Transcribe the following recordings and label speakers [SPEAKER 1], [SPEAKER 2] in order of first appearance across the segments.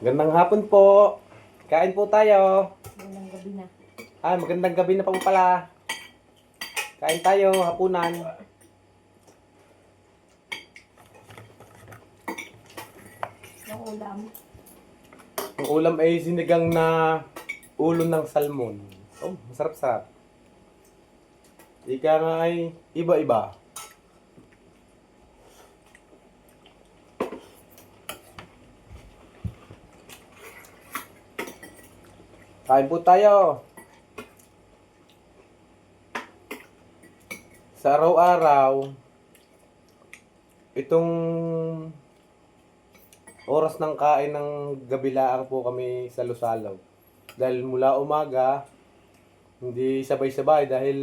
[SPEAKER 1] Gandang hapon po. Kain po tayo.
[SPEAKER 2] Magandang gabi na.
[SPEAKER 1] Magandang gabi na po pala. Kain tayo, hapunan.
[SPEAKER 2] Yung ulam.
[SPEAKER 1] Ang ulam ay sinigang na ulo ng salmon. Oh, masarap-sarap. Ika nga ay iba-iba. Kain po tayo. Sa araw-araw, itong oras ng kain ng gabilaang po kami sa Lusalaw. Dahil mula umaga, hindi sabay-sabay dahil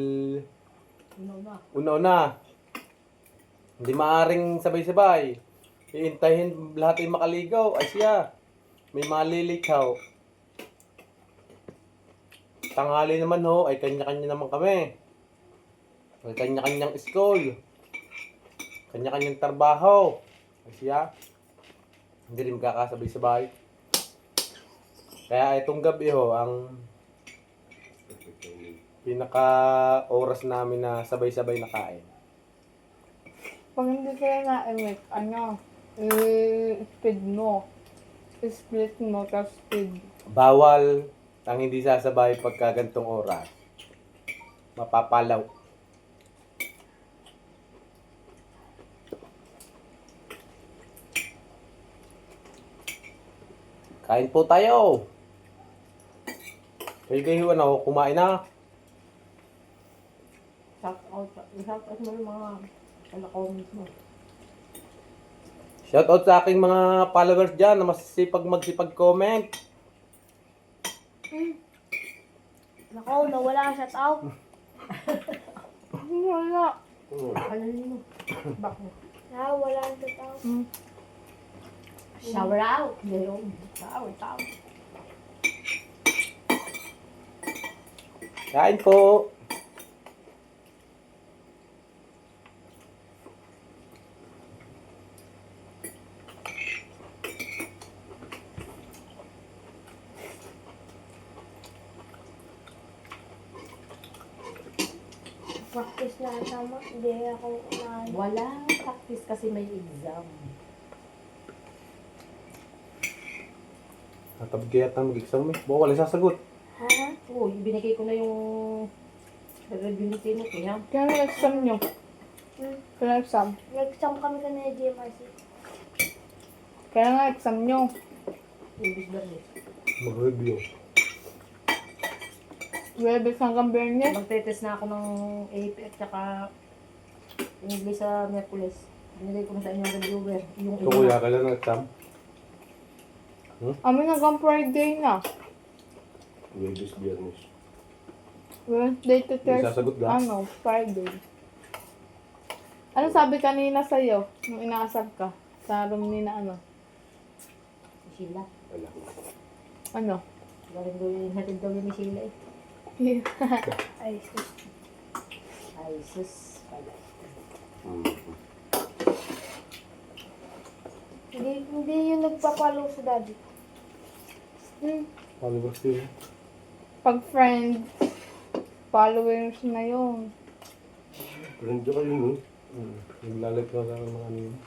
[SPEAKER 1] una-una. Hindi maaring sabay-sabay. Iintayin lahat ay makaligaw. Ay siya, may malilikaw. Tanghali naman ho, ay kanya-kanya naman kami. May kanya-kanyang school. Kanya-kanyang trabaho. Ay siya, hindi rin magkakasabay-sabay. Kaya itong gabi ho, ang pinaka oras namin na sabay-sabay na kain.
[SPEAKER 3] Pag hindi kaya na-emit, i-speed mo. I-split mo, tapos speed.
[SPEAKER 1] Bawal ang hindi sasabay pagka gantong oras. Mapapalaw. Kain po tayo. Kayo kumain na.
[SPEAKER 2] Shout out mo yung mga comments mo.
[SPEAKER 1] Shoutout sa aking mga followers dyan na masisipag magsipag-comment.
[SPEAKER 4] Nako, nawala ang shout out.
[SPEAKER 3] Wala.
[SPEAKER 2] Ano mo? Bakit?
[SPEAKER 4] Nawala ang shout out.
[SPEAKER 2] Shower out. Ngayon. Shower out.
[SPEAKER 1] Kain po.
[SPEAKER 4] Practice na tama. Hindi ako na.
[SPEAKER 2] Walang practice kasi may exam.
[SPEAKER 1] Natabig kaya ang mag-exam eh. Baka wala sasagot.
[SPEAKER 4] Ha?
[SPEAKER 2] Oo, binigay ko na yung review ni Tino. Kaya,
[SPEAKER 3] Kaya na-exam nyo. Kaya na-exam.
[SPEAKER 4] Nag-exam kami kanina GMRC.
[SPEAKER 3] Kaya na-exam nyo.
[SPEAKER 2] English Bernes.
[SPEAKER 1] Mag-review.
[SPEAKER 3] Webes hanggang Bernes.
[SPEAKER 2] Magte-test na ako ng AP at saka English sa Merkules. Binigay ko na sa inyo ang reviewer. Yung
[SPEAKER 1] So kuya, kailan ang exam?
[SPEAKER 3] Amin hanggang Friday na.
[SPEAKER 5] Webes, Biyernes.
[SPEAKER 3] Wednesday to
[SPEAKER 1] May
[SPEAKER 3] Thursday.
[SPEAKER 1] sasagot ka?
[SPEAKER 3] Friday. Ano sabi kanina sa'yo? Nung inaasar ka? Sa room ni na ano?
[SPEAKER 2] Si Sheila.
[SPEAKER 5] Wala.
[SPEAKER 3] Ano?
[SPEAKER 2] Hatid daw yun ni Sheila eh.
[SPEAKER 4] Ay, sus.
[SPEAKER 2] Ay, sus. Pala.
[SPEAKER 4] Hindi yung nagpapalo sa daddy.
[SPEAKER 1] Followers yun.
[SPEAKER 3] Pag friends, followers na yun.
[SPEAKER 5] Friend ka kayo, no?
[SPEAKER 1] Naglalike ka sa mga ano yun.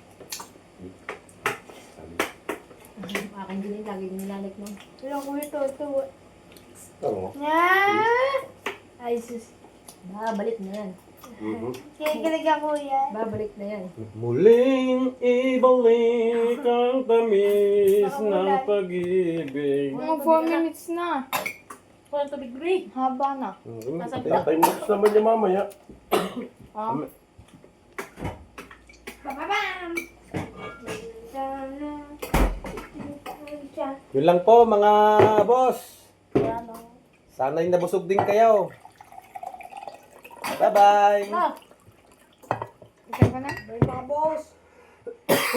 [SPEAKER 2] Akin din eh, lagi nilalike mo.
[SPEAKER 4] Ilang ko ito.
[SPEAKER 5] Oo.
[SPEAKER 4] Ay, sus.
[SPEAKER 2] Babalik na yan.
[SPEAKER 4] Kinikilig ako yan.
[SPEAKER 2] Babalik na yan.
[SPEAKER 1] Muling ibalik ang tamis ng pag-ibig.
[SPEAKER 3] Mga 4 minutes na.
[SPEAKER 2] Walang tubig, Bri.
[SPEAKER 3] Haba na.
[SPEAKER 5] Time lapse naman niya mamaya.
[SPEAKER 3] Ah.
[SPEAKER 4] Bababam!
[SPEAKER 1] Yun lang po mga boss.
[SPEAKER 4] Ano?
[SPEAKER 1] Sana'y nabusog din kayo. Bye-bye.
[SPEAKER 2] Ah!
[SPEAKER 3] Isa ka na?
[SPEAKER 4] Mga boss.